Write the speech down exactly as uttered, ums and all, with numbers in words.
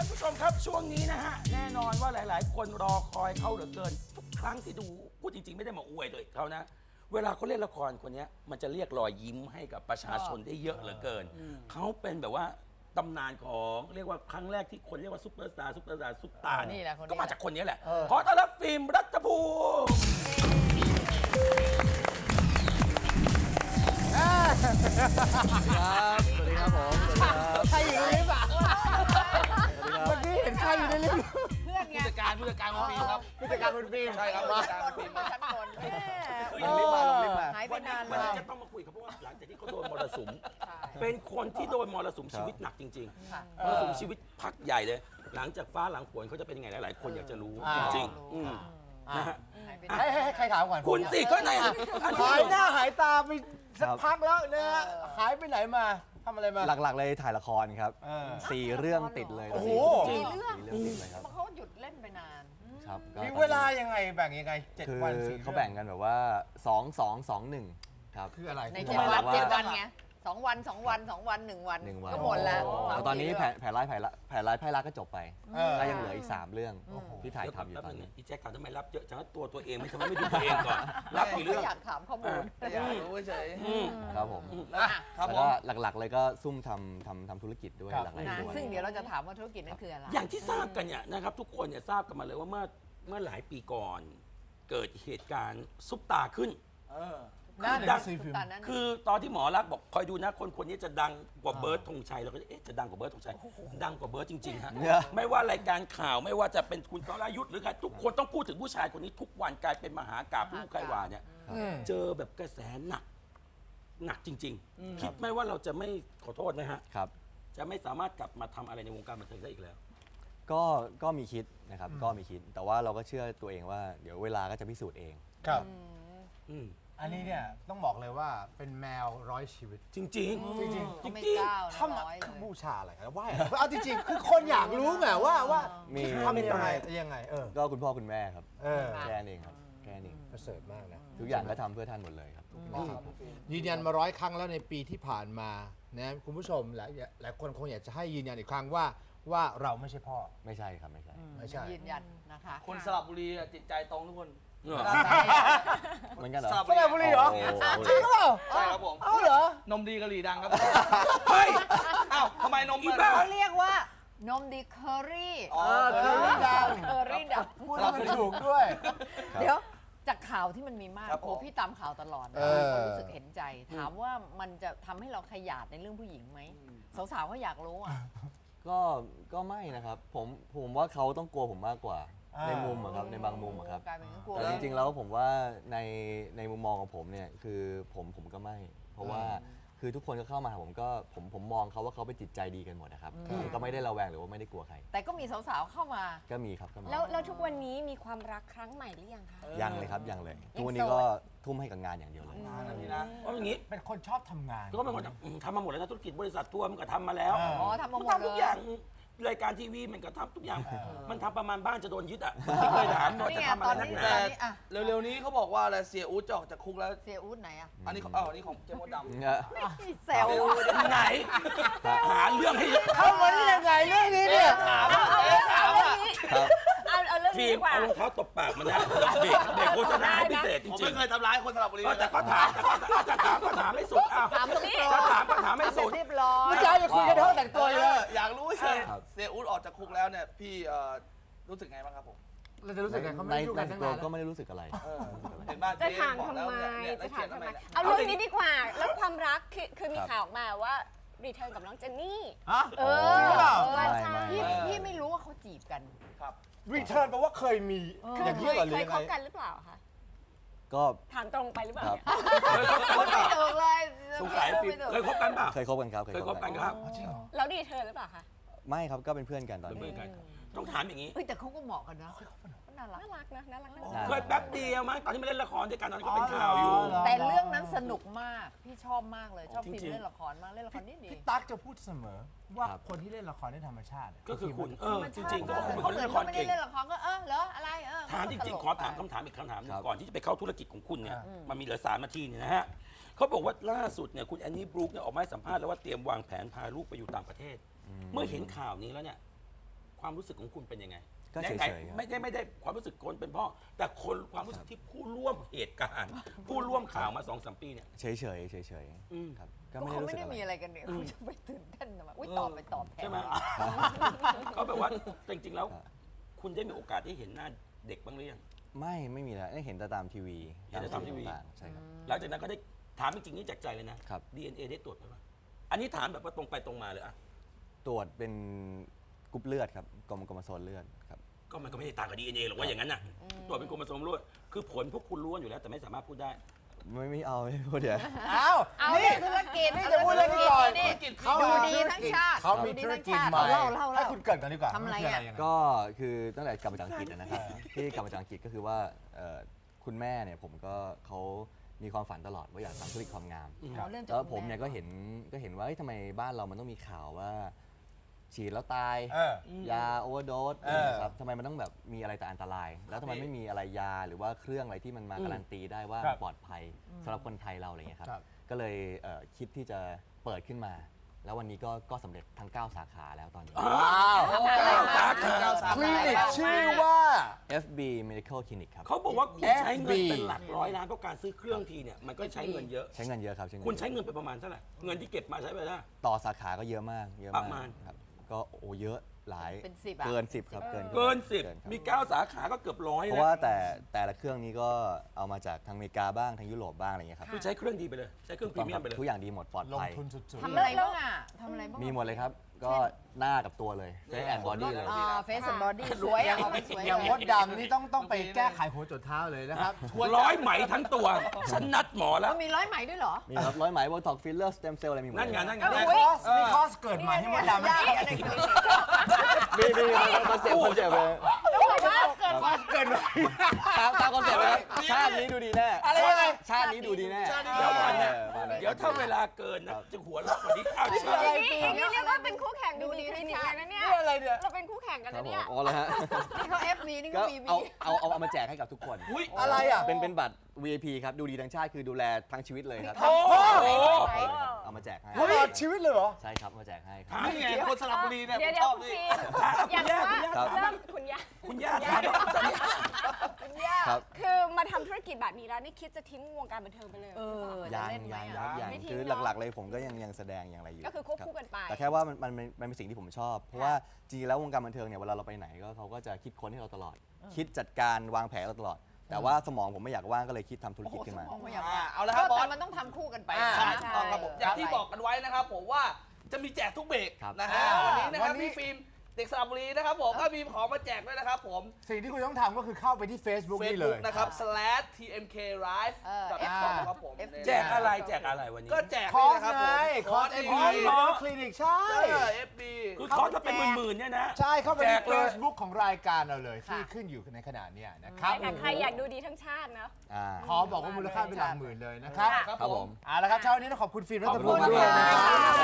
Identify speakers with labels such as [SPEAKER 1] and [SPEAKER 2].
[SPEAKER 1] านผู้ชมครับช่วงนี้นะฮะแน่นอนว่าหลาย ๆ คนรอคอยเขาเหลือเกินทุกครั้งที่ดูพูดจริง ๆ ไม่ได้มาอวยเลยเขานะเวลาเขาเล่นละครคนนี้มันจะเรียกรอยยิ้มให้กับประชาชนได้เยอะเหลือเกินเขาเป็นแบบว่าตำนานของเรียกว่าครั้งแรกที่คนเรียกว่าซุปเปอร์สตาร์ซุปเปอร์สตาร์ซุปตาร์
[SPEAKER 2] นี่แหละคนนี้
[SPEAKER 1] ก็มาจากคนนี้แหละ
[SPEAKER 3] เออ
[SPEAKER 1] ขอต้อนรับฟิล์มรัฐภูมิ
[SPEAKER 3] ครับสวัสดีครับผมสวัสดีครับ
[SPEAKER 2] ใครอยู่ในลิฟต์อ่ะ
[SPEAKER 3] เมื่อกี้เห็นใครอยู่ในลิฟต์
[SPEAKER 2] เพื่อนไง
[SPEAKER 4] ผู้จัดการผู้จัดการของฟิล์มครับ
[SPEAKER 3] ผู้จัดการคุณฟิล์ม
[SPEAKER 4] ใช่ครับ
[SPEAKER 3] มา
[SPEAKER 4] ผู้จัดการของฟิล์ม
[SPEAKER 2] ชั้นบนแม่
[SPEAKER 3] ลงลิฟต์มาลงลิฟต์มา
[SPEAKER 2] หายไป
[SPEAKER 1] วันนี้
[SPEAKER 2] นาน
[SPEAKER 1] วัน
[SPEAKER 2] เล
[SPEAKER 1] นี้
[SPEAKER 2] ย
[SPEAKER 1] จะต้องมาคุยครับเพราะว่าหลังจากที่เขาโดนมรสุมเป็นคนที่โดนมรสุมชีวิตหนักจริง
[SPEAKER 2] ค่ะ
[SPEAKER 1] ๆมรสุมชีวิตพักใหญ่เลย หลังจากฟ้าหลังฝนเขาจะเป็นยังไงหลาย ๆ คนอยากจะรู้
[SPEAKER 3] อ่า
[SPEAKER 1] จริงๆอืมนะฮะ
[SPEAKER 2] หายไป
[SPEAKER 3] ให้ให้ให้ใครถามก่อน
[SPEAKER 1] คุณสิก็ไหนอ่ะอันนี้
[SPEAKER 3] หายหน้าหายตาไปสัก
[SPEAKER 5] ครับ
[SPEAKER 3] พักแล้วนะฮะหายไปไหนมาทำอะไรมา
[SPEAKER 5] หลักๆเลยถ่ายละครครับ
[SPEAKER 3] เออ
[SPEAKER 5] สี่เรื่องติดเลย
[SPEAKER 3] โอ้โห
[SPEAKER 5] สี่
[SPEAKER 2] เรื่อง
[SPEAKER 5] สี่เรื่องติดเลยครับ
[SPEAKER 2] เพราะเขาหยุดเล่นไปนาน
[SPEAKER 5] ครับก็
[SPEAKER 3] มีเวลายังไงแบ่งยังไงเจ็ด
[SPEAKER 5] คือ
[SPEAKER 3] วันสี่
[SPEAKER 5] เขาแบ่งกันแบบว่าสอง สอง สอง หนึ่งครับ
[SPEAKER 3] คืออะไร
[SPEAKER 2] ใน
[SPEAKER 3] คื
[SPEAKER 2] เจ็
[SPEAKER 3] อ
[SPEAKER 2] ด
[SPEAKER 3] อะไร
[SPEAKER 2] วัน
[SPEAKER 5] ว่า
[SPEAKER 2] เจ็ดวันไงสองวันสองวันสองวันหนึ่งวัน
[SPEAKER 5] หนึ่งวัน
[SPEAKER 2] ก็หมดแล้ว
[SPEAKER 5] แล้วตอนนี้แผลแผลร้ายแผลละแผลร้ายไพ่รักก็จบไป
[SPEAKER 3] เออ
[SPEAKER 5] ก็ยังเหลืออีก สาม เรื่องที่ถ่ายทำอยู่ตอนนี้
[SPEAKER 1] อีแจ็คถามทำไมรับเยอะจังตัวตัวเองไม่ทำไมไม่ดูตัวเองก่อนรับกี่
[SPEAKER 2] ก็
[SPEAKER 1] เรื่อง
[SPEAKER 2] อยากถามข้อมูล
[SPEAKER 4] แต่อยากรู้เฉย
[SPEAKER 1] อืม
[SPEAKER 5] ครับผม
[SPEAKER 4] ๆนะครั
[SPEAKER 5] แล้
[SPEAKER 4] บ
[SPEAKER 5] ว
[SPEAKER 4] ผ
[SPEAKER 5] ก็
[SPEAKER 4] ม
[SPEAKER 5] หลักๆเลยก็ซุ่มทำทำทำธุรกิจด้วย
[SPEAKER 3] ครับ
[SPEAKER 5] หลากหลาย
[SPEAKER 2] นะ
[SPEAKER 5] ตัว
[SPEAKER 2] ซึ่งเดี๋ยวเราจะถามว่าธุรกิจนั่นคืออะไร
[SPEAKER 1] อย่างที่ทราบกันเนี่ยนะครับทุกคนเนี่ยทราบกันมาเลยว่าเมื่อเมื่อหลายปีก่อน เกิดเหตุการณ์ซุปตาขึ้น
[SPEAKER 4] เออ
[SPEAKER 3] หน้าหนึ่
[SPEAKER 1] ดั
[SPEAKER 3] ง
[SPEAKER 1] ง
[SPEAKER 3] ซีฟิล์ม
[SPEAKER 2] ตอนนั้น
[SPEAKER 1] คือตอนที่หมอรักษณ์บอกคอยดูนะคนคนนี้จะดังกว่าเบิร์ดธงชัยเราก็จะเอ๊ะจะดังกว่าเบิร์ดธงชัยดังกว่าเบิร์ดจริงๆฮะ
[SPEAKER 5] เนี่ย
[SPEAKER 1] ไม่ว่ารายการข่าวไม่ว่าจะเป็นคุณสรายุทธ์หรือใครทุกคนต้องพูดถึงผู้ชายคนนี้ทุกวันกลายเป็นมหากาพย์ลูกไขวาเนี่ย
[SPEAKER 3] อืม
[SPEAKER 1] เจอแบบกระแสหนักหนักจริง ๆ คิดไหมว่าเราจะไม่ขอโทษนะฮะ
[SPEAKER 5] ครับ
[SPEAKER 1] จะไม่สามารถกลับมาทำอะไรในวงการบันเทิงได้อีกแล้ว
[SPEAKER 5] ก็ก็มีคิดนะครับก็มีคิด แต่ว่าเราก็เชื่อตัวเองว่าเดี๋ยวเวลาก็จะพิสูจน์เอง
[SPEAKER 3] ครับ
[SPEAKER 1] อืม
[SPEAKER 3] อันนี้เนี่ยต้องบอกเลยว่าเป็นแมวร้อยชีวิต
[SPEAKER 1] จริงๆ
[SPEAKER 3] จริง
[SPEAKER 2] เขาไม่
[SPEAKER 1] จริง
[SPEAKER 2] ก้าว
[SPEAKER 3] ๆ
[SPEAKER 2] นะ
[SPEAKER 3] ทำ
[SPEAKER 2] ร้อยเลย
[SPEAKER 3] บูชาอะไรกันไหว้อะไรเอาจริงๆ คือคนอยากรู้ไงว่าว่า
[SPEAKER 5] มี
[SPEAKER 3] ทำยังไงยังไง เออ
[SPEAKER 5] ก็คุณพ่อคุณแม่ครับ
[SPEAKER 3] เออ
[SPEAKER 5] แค่นั้นเองครับแค่นั้นเอง
[SPEAKER 3] ประเสริฐมากนะ
[SPEAKER 5] ทุกอย่างก็ทำเพื่อท่านหมดเลยครับ
[SPEAKER 3] ยืนยันมาร้อยครั้งแล้วในปีที่ผ่านมานะคุณผู้ชมหลายหลายคนคงอยากจะให้ยืนยันอีกครั้งว่าว่าเราไม่ใช่พ่อ
[SPEAKER 5] ไม่ใช่ครับไม่ใช่
[SPEAKER 3] ไม่ใช่
[SPEAKER 2] ยืนยันนะคะ
[SPEAKER 4] คนสระบุรีอะจิตใจตรงทุกคน
[SPEAKER 1] เหรอ
[SPEAKER 5] เหมือนกันเหรอ
[SPEAKER 3] สระบุรีเหรอ
[SPEAKER 5] โอ้โห
[SPEAKER 3] จริงหรือเปล่า
[SPEAKER 4] ใช่ครับผม
[SPEAKER 3] เอาเหรอ
[SPEAKER 4] นมดีกะหรี่ดังครับ
[SPEAKER 1] เฮ้ย
[SPEAKER 4] อ้าวทำไมนม
[SPEAKER 1] อี
[SPEAKER 4] มัน
[SPEAKER 1] บ้า
[SPEAKER 2] เขาเรียกว่านมดีเคอรี่
[SPEAKER 4] อ๋อ
[SPEAKER 3] เออเคอรี่ดัง
[SPEAKER 2] เคอรี่ดัง
[SPEAKER 3] พูดให้มันถูกด้วย
[SPEAKER 5] ครับ
[SPEAKER 2] เดี๋ยวจากข่าวที่มันมีมาก
[SPEAKER 4] ครับ
[SPEAKER 2] โอ้
[SPEAKER 4] ผม
[SPEAKER 2] พี่ตามข่าวตลอดนะ
[SPEAKER 3] เออ
[SPEAKER 2] ก็รู้สึกเห็นใจ ถามว่ามันจะทำให้เราขยาดในเรื่องผู้หญิงไหมสาวๆเขาอยากรู้อ่ะ
[SPEAKER 5] ก็ก็ไม่นะครับผมผมว่าเขาต้องกลัวผมมากกว่า ในมุมอะครับในบางมุมอะครับ
[SPEAKER 2] กลายเป็นกลัว
[SPEAKER 5] แต่จริงๆแล้วผมว่าในในมุมมองของผมเนี่ยคือผมผมก็ไม่ เพราะว่าคือทุกคนก็เข้ามาหาผมก็ผมผมมองเขาว่าเขาเป็นจิตใจดีกันหมดนะครับผมก็ไม่ได้ระแวงหรือว่าไม่ได้กลัวใคร
[SPEAKER 2] แต่ก็มีสาวๆเข้ามา
[SPEAKER 5] ก็มีครับก็มี
[SPEAKER 6] แล้วแล้วทุกวันนี้มีความรักครั้งใหม่หรือยังคะ
[SPEAKER 5] ยังเลยครับยังเลย
[SPEAKER 6] ยัง
[SPEAKER 5] ทุกวันนี้
[SPEAKER 6] โสด
[SPEAKER 5] ก็ทุ่มให้กับงานอย่างเดียวเลย
[SPEAKER 4] อันนี้นะ
[SPEAKER 1] เพราะอย่างนี้
[SPEAKER 3] เป็นคนชอบทำงาน
[SPEAKER 1] ก็เป็นคนทำอืมทำมาหมดแล้วนะธุรกิจบริษัททัวร์มันก็ทำมาแล้ว
[SPEAKER 3] อ่า
[SPEAKER 2] อ๋อทำมาหมด
[SPEAKER 1] ทำทุก
[SPEAKER 2] เลย
[SPEAKER 1] อย่างรายการทีวีมันก็ทำทุกอย่าง มันทำประมาณบ้านจะโดนยึดอ่ะที่เคยถามว่า
[SPEAKER 2] นี่
[SPEAKER 1] จะ
[SPEAKER 2] ไง
[SPEAKER 1] ทำอะ
[SPEAKER 2] ต
[SPEAKER 1] ไร
[SPEAKER 2] อน
[SPEAKER 1] นัก
[SPEAKER 2] นี้
[SPEAKER 1] ห
[SPEAKER 2] ต
[SPEAKER 1] นา
[SPEAKER 2] อนนี้อ่ะ
[SPEAKER 4] เร็วๆนี้เขาบอกว่าอะไรเสียอู๊ดจะออกจากคุกแล้ว
[SPEAKER 2] เสียอู๊ดไหนอ่ะ
[SPEAKER 4] อันนี้เขาเอ้าอันนี้ของเจ๊มดดำ
[SPEAKER 5] เนี่ย
[SPEAKER 2] แซว
[SPEAKER 1] ไหน หาเรื่องให้
[SPEAKER 3] เข้ามาได้ยังไงเรื่องนี้เนี่ย
[SPEAKER 6] เอาเอาเรื่องเอาเรื่องนี้
[SPEAKER 5] ครับ
[SPEAKER 6] เอาเอาเรื่อง
[SPEAKER 1] ฟิ
[SPEAKER 6] นี้
[SPEAKER 1] ล์ม
[SPEAKER 6] ดีกว่า
[SPEAKER 1] เอารองเท้าตบปากมันนะเบรกเบรกโฆษณาให้พิเศษจ
[SPEAKER 4] ผม
[SPEAKER 1] ริ
[SPEAKER 4] ไม่
[SPEAKER 1] ง
[SPEAKER 4] เคยทำร้ายคนสระบุรี
[SPEAKER 1] ๆก็แต่ก็ถามแต่ก็จะถามก็ถามไม่สุดอ้าว
[SPEAKER 2] ถามตรงนี้
[SPEAKER 1] จะถามก็ถามไม่
[SPEAKER 2] เสร็
[SPEAKER 1] สุ
[SPEAKER 2] จ
[SPEAKER 1] ด
[SPEAKER 2] เรียบร้อย
[SPEAKER 3] เมื่อเช้าจะคุยกันในห้องแต่งตัวอยู่เลย
[SPEAKER 4] อยากรู้เฉย
[SPEAKER 5] ครับ
[SPEAKER 4] เสียอู๊ดออกจากคุกแล้วเนี่ยพี่เอ่อรู้สึกไงบ้างครับผม
[SPEAKER 3] เราจะรู้สึกไงเขา
[SPEAKER 5] ใน
[SPEAKER 3] ไม่ได้ยุ่ง
[SPEAKER 5] ใน
[SPEAKER 3] กันตั้ง
[SPEAKER 5] ตัวน
[SPEAKER 3] าน
[SPEAKER 5] ก็
[SPEAKER 3] แล้ว
[SPEAKER 5] ไม่ได้รู้สึกอะไร
[SPEAKER 4] เออเห็นบ้าน
[SPEAKER 6] จะ
[SPEAKER 4] เจ๊
[SPEAKER 6] ถาม
[SPEAKER 4] บอก
[SPEAKER 6] ทำ
[SPEAKER 4] แล้ว
[SPEAKER 6] ไม
[SPEAKER 4] เนี่ยเนี่ย
[SPEAKER 6] จะ
[SPEAKER 4] แล้ว
[SPEAKER 6] ถา
[SPEAKER 4] เขีย
[SPEAKER 6] ม
[SPEAKER 4] นทำ
[SPEAKER 6] ทำ
[SPEAKER 4] ไม
[SPEAKER 6] ไม
[SPEAKER 4] เนี่ย
[SPEAKER 6] เอาเรื่องนี้ดีกว่า แล้วความรักคือคือมี
[SPEAKER 5] ครับ
[SPEAKER 6] ข่าวออกมาว่ารีเทิร์นกับน้องเจนนี่
[SPEAKER 3] ฮะ
[SPEAKER 6] เออ
[SPEAKER 3] จริงหรือเปล่า
[SPEAKER 6] เออ
[SPEAKER 5] ไม่
[SPEAKER 6] ใช่
[SPEAKER 5] ไม่
[SPEAKER 2] พี่พี่ไม่รู้ว่าเขาจีบกัน
[SPEAKER 4] ครับ
[SPEAKER 3] รีเทิร์นแปลว่าเคยมี
[SPEAKER 6] คือ
[SPEAKER 3] อย่าง
[SPEAKER 6] เค
[SPEAKER 3] นี้
[SPEAKER 6] ย
[SPEAKER 3] ก่อนหรื
[SPEAKER 6] เค
[SPEAKER 3] อย ยัง
[SPEAKER 6] ค
[SPEAKER 3] ไง
[SPEAKER 6] บกันหรือเปล่าคะ
[SPEAKER 5] ก็
[SPEAKER 6] ถามตรงไปหรือเปล่า
[SPEAKER 5] ครับ
[SPEAKER 6] เนี่ย
[SPEAKER 2] คนไม่ถูกเลย
[SPEAKER 1] สงสัยฟิล์มเคยคบกันเปล่า
[SPEAKER 5] เคยคบกันครับ
[SPEAKER 1] เคยคบกันครับ
[SPEAKER 6] แล้วรีเทิร์นหรือเปล่าคะ
[SPEAKER 5] ไม่ครับก็เป็นเพื่อนกันตอน
[SPEAKER 1] เป็นเพื่
[SPEAKER 5] นี้
[SPEAKER 1] อนกันต้องถามอย่างนี้
[SPEAKER 2] เฮ้ยแต่เขาก็เหมาะกันนะก็น่ารัก
[SPEAKER 6] น่ารักนะน่ารักน่ารัก
[SPEAKER 5] น่า
[SPEAKER 1] เคยแป๊บเดียวมั้งตอนที่มาเล่นละครด้วยกันตอนนั้นก็เป็นข่าวอยู่
[SPEAKER 3] อ๋อเหรอ
[SPEAKER 2] แต่เรื่องนั้นสนุกมาก พี่ชอบมากเลย ชอบ
[SPEAKER 1] จริงๆ
[SPEAKER 2] ฟิล์มเล่นละครมาก เล่นละครนี่ดี
[SPEAKER 3] พี่ตั๊กจะพูดเสมอว่าคนที่เล่นละครได้ธรรมชาติ
[SPEAKER 1] ก็คือคุณเออจริงๆก็
[SPEAKER 2] เขา
[SPEAKER 1] เป็น
[SPEAKER 2] เห
[SPEAKER 1] คน
[SPEAKER 2] มื
[SPEAKER 1] เล่
[SPEAKER 2] อน
[SPEAKER 1] นละค
[SPEAKER 2] เขา
[SPEAKER 1] ร
[SPEAKER 2] ไม่ได้
[SPEAKER 1] เก่ง
[SPEAKER 2] เล่นละครก็เออเหรออะไรเออ
[SPEAKER 1] ถามจริงๆ ขอถามคำถามอีกคำถามหนึง
[SPEAKER 5] ครับ
[SPEAKER 1] ก่อนที่จะไปเข้าธุรกิจของคุณเนี่ย
[SPEAKER 5] ครับ
[SPEAKER 1] มันมีเหลือสามนาทีเนี่ยนะฮะเขาบอกว่าล่าสุดเนี่ยคุณแอนนี่บรูคเนี่ยออกมาให้สัมภาษณ์แล้วว่าเตรียมวางแผนพาลูกไปอยู่ต่างประเทศ เมื่อเห็นข่าวนี้แล้วเนี่ยควความรู้สึกของคุณเป็นยังไง
[SPEAKER 5] ก็เฉยๆ
[SPEAKER 1] ไหน
[SPEAKER 5] ครับ
[SPEAKER 1] ๆไม่ได้ไม่ได้ความรู้สึกคนเป็นพ่อ แต่คนความรู้สึกที่ผู้ร่วมเหตุการณ์ ผู้ร่วมข่าวมาสองสามปีเนี่ย
[SPEAKER 5] เฉยเฉยเฉยเฉยๆ
[SPEAKER 1] อืม
[SPEAKER 5] ครับ
[SPEAKER 2] ก็
[SPEAKER 5] ก็ไม่ได้
[SPEAKER 2] เขา
[SPEAKER 5] รู้
[SPEAKER 2] ไม่
[SPEAKER 5] สึก
[SPEAKER 2] ได้
[SPEAKER 5] อะไร
[SPEAKER 2] มีอะไรกันเนี่ยเขาจะไปตื่นเต้นทำไมอุ้ยตอบไปตอบแทน
[SPEAKER 1] ใช่ไหมก็แบบว่าจริงๆแล้ว คุณได้มีโอกาสได้เห็นหน้าเด็กบ้างหรือยัง
[SPEAKER 5] ไม่ไม่มีแล้วได้เห็นแต่ตามทีวี
[SPEAKER 1] เห็นแต่ตามทีวี
[SPEAKER 5] ต่างๆใช่ครับ
[SPEAKER 1] หลังจากนั้นก็ได้ถามจริงๆนี่จากใจเลยนะครับ ดี เอ็น เอ ได้ตรวจไหมวะอันนี้ถามแบบว่าตรงไปตรงมาเลยอะ
[SPEAKER 5] ตรวจเป็นกรุ๊ปเลือดครับกรมกรมโซนเลือดครับ
[SPEAKER 1] ก็มันก็ไม่ได้ต่างกับ ดี เอ็น เอ หรอกว่าอย่างนั้นน่ะตรวจเป็นโครโมโซมล้วนคือผลพวกคุณล้วนอยู่แล้วแต่ไม่สามารถพูดได้
[SPEAKER 5] ไม่ไม่เอาไม่พูดเดี๋ยว
[SPEAKER 3] อ้าว
[SPEAKER 2] เอา
[SPEAKER 3] นี่
[SPEAKER 2] เรื่องธุรกิจ
[SPEAKER 3] นี่จะพูดเรื่องนี้ก่อน
[SPEAKER 2] นี่
[SPEAKER 3] เขา
[SPEAKER 2] ดู
[SPEAKER 3] มี
[SPEAKER 2] ดี
[SPEAKER 3] ธุร
[SPEAKER 2] ทั้ง
[SPEAKER 3] กิจ
[SPEAKER 2] ชาติ
[SPEAKER 3] เขามีธุรกิจใหม่
[SPEAKER 2] เล่าเล่า
[SPEAKER 3] ให้
[SPEAKER 2] เล่า
[SPEAKER 3] คุณเกริดก่อนดีกว่า
[SPEAKER 2] ทำอะไร
[SPEAKER 3] มันคื
[SPEAKER 2] อ่ะ
[SPEAKER 3] ยังไง
[SPEAKER 5] ก็คือตั้งแต่กลับมาจากอังกฤษนะครับ ที่กลับมาจากอังกฤษก็คือว่าเอ่อคุณแม่เนี่ยผมก็เขามีความฝันตลอดว่าอยากทำธุรกิจความงาม
[SPEAKER 2] อ๋อเริ่มจาก
[SPEAKER 5] แล้ว
[SPEAKER 2] คุณ
[SPEAKER 5] ผมเนี่ย
[SPEAKER 2] แ
[SPEAKER 5] ก็เห็นก็เห็นว่าเฮ้ยทำไมบ้านเรามันต้องมีข่าวว่า ฉีดแล้วตาย
[SPEAKER 3] เออ
[SPEAKER 5] ยาโอเวอร์โดส
[SPEAKER 3] เออ
[SPEAKER 5] ครับทำไมมันต้องแบบมีอะไรแต่อันตราย แล้วทำไมไม่มีอะไรยาหรือว่าเครื่องอะไรที่มันมาการันตีได้ว่า
[SPEAKER 3] ครับ
[SPEAKER 5] ปลอดภัยสำหรับคนไทยเราอะไรเงี้ยครับ
[SPEAKER 3] ครับ
[SPEAKER 5] ก็เลยเอ่อคิดที่จะเปิดขึ้นมา แล้ววันนี้ก็ก็สำเร็จทั้ง เก้า สาขาแล้วตอนนี้
[SPEAKER 3] ว้าว
[SPEAKER 1] สาขา
[SPEAKER 3] คลินิกชื่อว่า
[SPEAKER 5] เอฟ บี Medical Clinic ครับ
[SPEAKER 1] เขาบอกว่าคุณใช้เงิน
[SPEAKER 3] เอฟ บี
[SPEAKER 1] เป็นหลักร้อยล้านเพราะการซื้อเครื่องทีเนี่ยมันก็ใช้เงินเยอะ
[SPEAKER 5] ใช้เงินเยอะครับใช้เงิน
[SPEAKER 1] คุณใช้
[SPEAKER 5] เยอะ
[SPEAKER 1] เงินไปประมาณเท่าไหร่เงินที่เก็บมาใช้ไปได้
[SPEAKER 5] ต่อสาขาก็เยอะมากเยอะ
[SPEAKER 1] ป
[SPEAKER 5] มาก
[SPEAKER 1] ระมาณ
[SPEAKER 5] ครับก็โอ้เยอะหลาย
[SPEAKER 2] เป็นสิบอะ
[SPEAKER 5] เกินสิบครับเกิน
[SPEAKER 1] เกินสิบ
[SPEAKER 5] ครับ
[SPEAKER 1] มีเก้าสาขาก็เกือบร้อย
[SPEAKER 5] เพ
[SPEAKER 1] แล้
[SPEAKER 5] ราะ
[SPEAKER 1] ว
[SPEAKER 5] ว่าแต่แต่ละเครื่องนี้ก็เอามาจากทางอเมริกาบ้างทางยุโรปบ้างอะไรเงี้ยครับ
[SPEAKER 1] คือใช้เครื่องดีไปเลย ใช้เครื่องพรีเมียมไปเลย
[SPEAKER 5] ทุกอย่างดีหมดปลอด
[SPEAKER 3] ลง
[SPEAKER 5] ภัย
[SPEAKER 3] ทุนสุด
[SPEAKER 2] ทำอะไรบ้างอ่ะทำอะไรบ้าง
[SPEAKER 5] มีหมดเลยครับ ก็หน้ากับตัวเลยเฟซแอนด์บอดี้เลย
[SPEAKER 2] อ่าเฟสแอนด์บอดี้สวยอ่ะเอาไปสวย
[SPEAKER 3] ๆอย่างมดดำนี่ต้องต้องไปแก้ไขหัวจดเท้าเลยนะครับ
[SPEAKER 1] ร้อยไหมทั้งตัว ฉันนัดหมอแล้ว
[SPEAKER 2] แล้วมีร้อยไหมด้วยเหรอ
[SPEAKER 5] มีครับร้อยไหมโบท็อกฟิลเลอร์สเต็มเซลล์อะไรมีหมด
[SPEAKER 1] นั่นไงนั่นไง
[SPEAKER 3] มี
[SPEAKER 1] นั่น
[SPEAKER 3] ค
[SPEAKER 1] ไง
[SPEAKER 3] อสมีคอสเกิดใหม่ให้มดดำไหม
[SPEAKER 5] มีมีคอนเซ็ปต์คอนเซ็ปต์เลย
[SPEAKER 3] คอสเกิดใหม่
[SPEAKER 5] ตามตามคอนเซ็ปต์เลยชาตินี้ดูดีแน่
[SPEAKER 3] อะไรยังไง
[SPEAKER 5] ชาตินี้ดูดีแน่
[SPEAKER 1] เดี๋ยวก่อนนะ
[SPEAKER 5] ออมาล
[SPEAKER 1] เดี๋ยวถ้าเวลาเกินนะจะหัวเราะกว่านี้เอาเชิญ
[SPEAKER 6] นี่อย่างนี้เรียกว่าเป็นคู่แข่งดูดีคลินิกเลยนะเนี่ย
[SPEAKER 3] นี่อะไรเนี่ย
[SPEAKER 6] เราเป็นคู่แข่งกัน
[SPEAKER 5] ครับ
[SPEAKER 6] นะ
[SPEAKER 5] ผม
[SPEAKER 6] เนี่ย
[SPEAKER 5] อ๋อแล้วฮะ
[SPEAKER 2] นี่เขา เอฟ บี นี่
[SPEAKER 5] ก็
[SPEAKER 2] เขา บี บี
[SPEAKER 5] เอาเอาเอาเอามาแจกให้กับทุกคน
[SPEAKER 1] อุ้ย
[SPEAKER 3] อะไรอ่ะ
[SPEAKER 5] เป็นเป็นบัตร วี ไอ พี ครับ ดูดีทั้งชาติคือดูแลทั้งชีวิตเลยครับ
[SPEAKER 1] โอ้โห
[SPEAKER 5] เอามาแจกให้
[SPEAKER 3] ตลอดชีวิตเลยเหรอ
[SPEAKER 5] ใช่ครับมาแจกให้ครับ
[SPEAKER 1] ถาม
[SPEAKER 4] นี่
[SPEAKER 1] จ
[SPEAKER 4] ไง
[SPEAKER 1] ริง
[SPEAKER 4] คนสระบุรีเนี่ย
[SPEAKER 6] เดี๋ยว
[SPEAKER 4] ผม
[SPEAKER 6] เดี๋
[SPEAKER 4] ช
[SPEAKER 6] ยว
[SPEAKER 4] อบ
[SPEAKER 6] คุณ
[SPEAKER 4] นี่
[SPEAKER 6] ฟิล์ม
[SPEAKER 1] ๆ
[SPEAKER 6] อยากรู้ว่า
[SPEAKER 5] ครับ
[SPEAKER 6] เริ่มคุณย่า
[SPEAKER 1] คุณย่าถามว่าจะ
[SPEAKER 6] คุณย่า
[SPEAKER 5] ครับ
[SPEAKER 6] คือมาทำธุรกิจแบบนี้แล้วนี่คิดจะทิ้งวงการบันเทิงไปเลยห
[SPEAKER 2] เอ
[SPEAKER 6] รือเปล่า
[SPEAKER 2] อจะ
[SPEAKER 5] ยัง
[SPEAKER 2] เล่นไหม
[SPEAKER 5] ยัง
[SPEAKER 2] อ่ะ
[SPEAKER 5] ครับยัง
[SPEAKER 6] ไม่ทิ้ง
[SPEAKER 5] คือ
[SPEAKER 6] เนอะ
[SPEAKER 5] หลักๆเลยผมก็ยังยังแสดงอย่างไรอยู่
[SPEAKER 6] ก็คือควบคู่
[SPEAKER 5] รับ
[SPEAKER 6] กันไป
[SPEAKER 5] แต่แค่ว่ามันมันมันมันเป็นสิ่งที่ผมชอบ เพราะว่าจริงๆแล้ววงการบันเทิงเนี่ยเวลาเราไปไหนก็เขาก็จะคิดค้นให้เราตลอด คิดจัดการวางแผนเราตลอด แต่ว่าสมองผมไม่อยากว่างก็เลยคิดทำธุรกิจขึ้นมา
[SPEAKER 2] โอ้โหสมองไม่อยากว่า
[SPEAKER 4] เอาละครับบอส
[SPEAKER 2] แต่มันต้องทำคู่กันไป
[SPEAKER 3] อ่า
[SPEAKER 2] นะ
[SPEAKER 4] ใช่ถูกต้องครับผมอย่างที่บอกกันไว้นะครับผมว่าจะมีแจกทุกเบรก
[SPEAKER 5] ครับ
[SPEAKER 4] นะฮะ
[SPEAKER 3] อ่า
[SPEAKER 4] วันนี้นะครับ
[SPEAKER 3] วันนี้
[SPEAKER 4] พี่ฟิล์มเด็กสระบุรีนะครับผมก็มีของมาแจกด้วยนะครับผม
[SPEAKER 3] สิ่งที่คุณต้องทำก็คือเข้าไปที่ Facebook นี่เลย
[SPEAKER 4] Facebook นะครับ slash ที เอ็ม เค ไลฟ์
[SPEAKER 2] เออ
[SPEAKER 4] กับ
[SPEAKER 2] F
[SPEAKER 4] คอมครับผม
[SPEAKER 2] F
[SPEAKER 1] แจกอะไรแจกอะไรวันนี้
[SPEAKER 4] ก็แจก
[SPEAKER 3] คอ
[SPEAKER 4] นี่
[SPEAKER 3] ร์ส
[SPEAKER 4] นะครับ
[SPEAKER 3] ไง
[SPEAKER 4] ผม
[SPEAKER 3] คอร์สเอ็
[SPEAKER 4] ดี
[SPEAKER 3] มบีคลินิกใช่
[SPEAKER 4] เออ เอฟ บี
[SPEAKER 1] คือคอร์สจะเป็นหมื่นๆเนี่ยนะ
[SPEAKER 3] ใช่เข้าไป
[SPEAKER 1] แจ
[SPEAKER 3] ที่
[SPEAKER 1] กเลย
[SPEAKER 3] Facebook ของรายการเราเลย ที่ขึ้นอยู่ในขณะเนี้ยนะครับ
[SPEAKER 6] แต่ใครอยากดูดีทั้งชาติเนาะ
[SPEAKER 5] อ่า
[SPEAKER 3] ขอบอกว่ามูลค่าเป็นหลักหมื่นเลยนะครับ
[SPEAKER 4] ครับ
[SPEAKER 5] ครับ
[SPEAKER 4] ผ
[SPEAKER 5] ผม ม
[SPEAKER 3] เอาละครับเช้าวันนี้ต้องขอบคุณฟิล์มรัต
[SPEAKER 1] ขอบ
[SPEAKER 3] พ
[SPEAKER 1] คุ
[SPEAKER 3] ง
[SPEAKER 1] ณ
[SPEAKER 3] ศ์ด้วยนะค
[SPEAKER 1] ครั
[SPEAKER 3] รับ บ